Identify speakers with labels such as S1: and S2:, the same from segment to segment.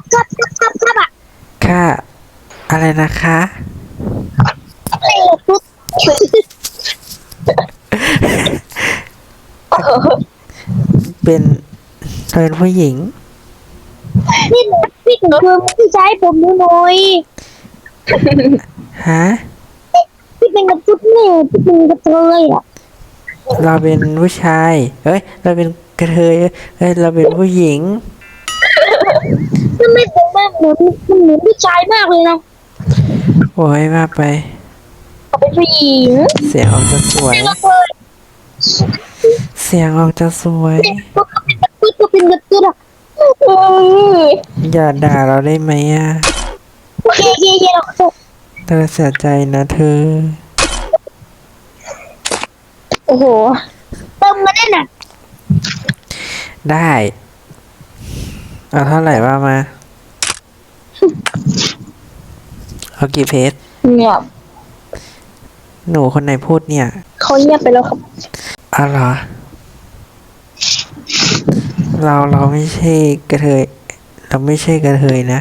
S1: ครับอ่ะ
S2: ค่ะอะไรนะคะ
S1: อะไรตุ๊ด
S2: เป็นเป็นผู้หญิง
S1: นี่พี่หนูคือพี่ชายผมหน่อย
S2: ฮะ
S1: พี่เป็นกระตุ๊ดเนี่ยพี่เป็นกระเทยอ่ะ
S2: เราเป็นผู้ชายเอ้ยเราเป็นกระเทยเอ้ยเราเป็นผู้หญิง
S1: ทำไมผมมาเหมือนมันเหมือนผู้ชายมากเลยนะ
S2: โอ้ยมากไป
S1: เขาเป็นผู้หญิง
S2: เสียงออกจะสวย
S1: เป็นกระเทย
S2: เสียงออกจะสวย
S1: เนี่ยก็เป็นกระตุ๊ดอ่ะ
S2: อย่าด่าเราได้ไหมอ่ะ
S1: โอเคโอเคโอเคเราขอโทษ
S2: เธอเสียใจนะเธอ
S1: โอ้โหเติมมาแน่น่ะ
S2: ได้เอาเท่าไหร่ว่ามาเอากี่เพจ
S1: เงียบ
S2: หนูคนไหนพูดเนี่ย
S1: เขาเงียบไปแล้วครับ
S2: อ๋อเหรอเราไม่ใช่กระเทยเราไม่ใช่กระเทยนะ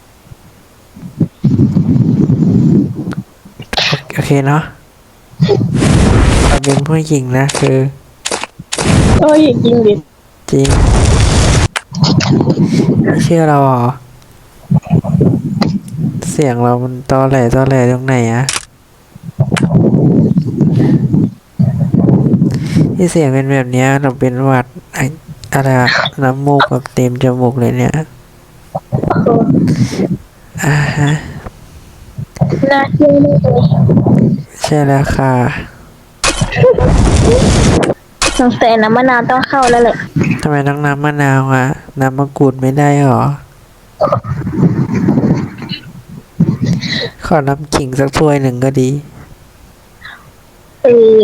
S2: โอเคเนาะเราเป็นผู้หญิงนะคือ
S1: โอ้ยจริงดิ
S2: จริงไม่เชื่อเราเหรอเสียงเรามันตอแหลตรงไหนอะที่เสียงเป็นแบบเนี้ยเราเป็นหวัดอะไรอะน้ำมูกแบบเต็มจมูกเลยเนี่ยอ่าฮะ
S1: น่าเชื่อเลย
S2: ใช่แล้วค่ะ
S1: สงสัยน้ำมะนาวต้องเข้าแล้วแหละ
S2: ทำไมต้องน้ำมะนาวอะน้ำมะกรูดไม่ได้หรอขอน้ำขิงสักถ้วยหนึ่งก็ดี
S1: เออ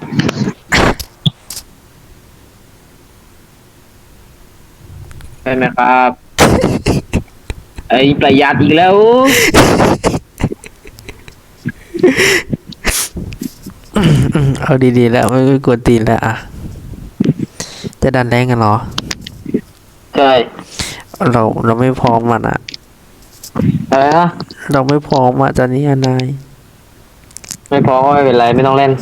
S3: ใช่ไหมครับไอ้ประหยัดอีกแล้ว
S2: เอาดีๆแล้วไม่กวนตีนแล้วอะจะดันแรงกันเหรอ
S3: ใช่
S2: เราไม่พร้อมมันอะ
S3: อะไรนะ
S2: เราไม่พร้อมอะจะนี่นาย
S3: ไม่พอก็ไม่เป็นไรไม่ต้องเล่น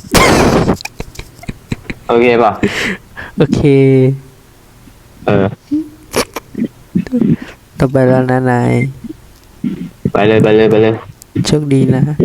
S3: โอเคป่ะ
S2: โอเค
S3: เออ
S2: ต่อไปแล้วนะนาย
S3: ไปเลย
S2: โชคดีนะ